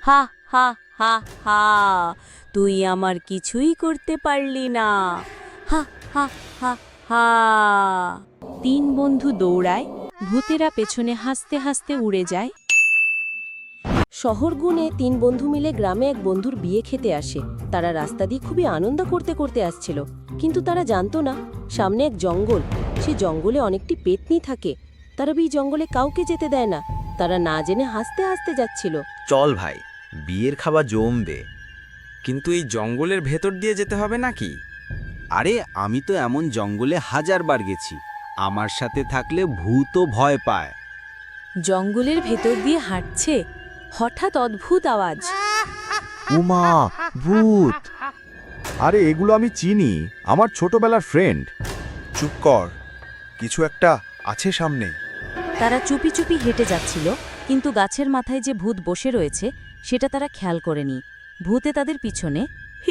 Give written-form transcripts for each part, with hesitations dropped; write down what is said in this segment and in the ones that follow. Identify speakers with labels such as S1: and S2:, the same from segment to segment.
S1: হা হা হা হা, তুই আমার কিছুই করতে পারলি না। হা হা হা হা। তিন বন্ধু দৌড়ায়, ভূতেরা পেছনে হাসতে হাসতে উড়ে যায়। শহর গুনে তিন বন্ধু মিলে গ্রামে এক বন্ধুর বিয়ে খেতে আসে। তারা রাস্তা দিয়ে খুবই আনন্দ করতে করতে আসছিল, কিন্তু তারা জানতো না সামনে এক জঙ্গল। সে জঙ্গলে অনেকটি পেতনি থাকে। তারা এই জঙ্গলে কাউকে যেতে দেয় না। তারা না জেনে হাসতে হাসতে যাচ্ছিল।
S2: চল ভাই, বিয়ের খাবার জমবে।
S3: কিন্তু এই জঙ্গলের ভেতর দিয়ে যেতে হবে নাকি?
S4: আরে আমি তো এমন জঙ্গলে হাজারবার গেছি, আমার সাথে থাকলে ভূতও ভয় পায়।
S1: জঙ্গলের ভেতর দিয়ে হাঁটছে, হঠাৎ অদ্ভুত আওয়াজ।
S5: উমা, ভূত! আরে এগুলো আমি চিনি, আমার ছোটবেলার ফ্রেন্ড।
S6: চুপ কর, কিছু একটা আছে সামনে।
S1: তারা চুপি চুপি হেঁটে যাচ্ছিল, কিন্তু গাছের মাথায় যে ভূত বসে রয়েছে সেটা তারা খেয়াল করেনি। ভূতে তাদের পিছনে।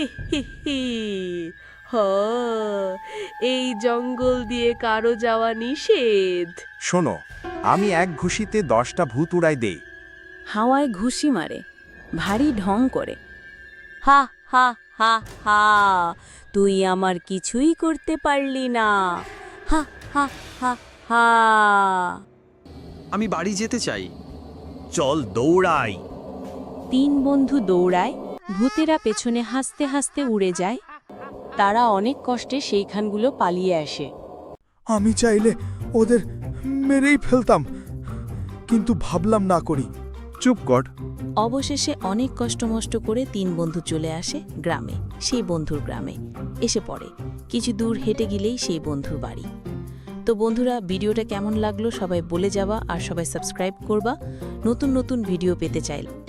S1: এই জঙ্গল দিয়ে কারো যাওয়া নিষেধ।
S6: শোনো, আমি এক ঘুষিতে 10টা ভূত উড়াই দেই।
S1: হাওয়ায় ঘুষি মারে, ভারী ঢং করে। হা হা হা হা, তুই আমার কিছুই করতে পারলি না। হা হা হা হা।
S3: আমি বাড়ি যেতে চাই।
S4: চল দৌড়াই।
S1: তিন বন্ধু দৌড়ায়, ভূতেরা পেছনে হাসতে হাসতে উড়ে যায়। তারা অনেক কষ্টে সেইখানগুলো পালিয়ে আসে।
S6: আমি চাইলে ওদের মেরেই ফেলতাম, কিন্তু ভাবলাম না করি। চুপ কর।
S1: অবশেষে অনেক কষ্টমষ্ট করে তিন বন্ধু চলে আসে গ্রামে, সেই বন্ধুর গ্রামে এসে পড়ে। কিছু দূর হেঁটে গেলেই সেই বন্ধুর বাড়ি। তো বন্ধুরা, ভিডিওটা কেমন লাগলো সবাই বলে যাবা, আর সবাই সাবস্ক্রাইব করবা নতুন নতুন ভিডিও পেতে চাইলে।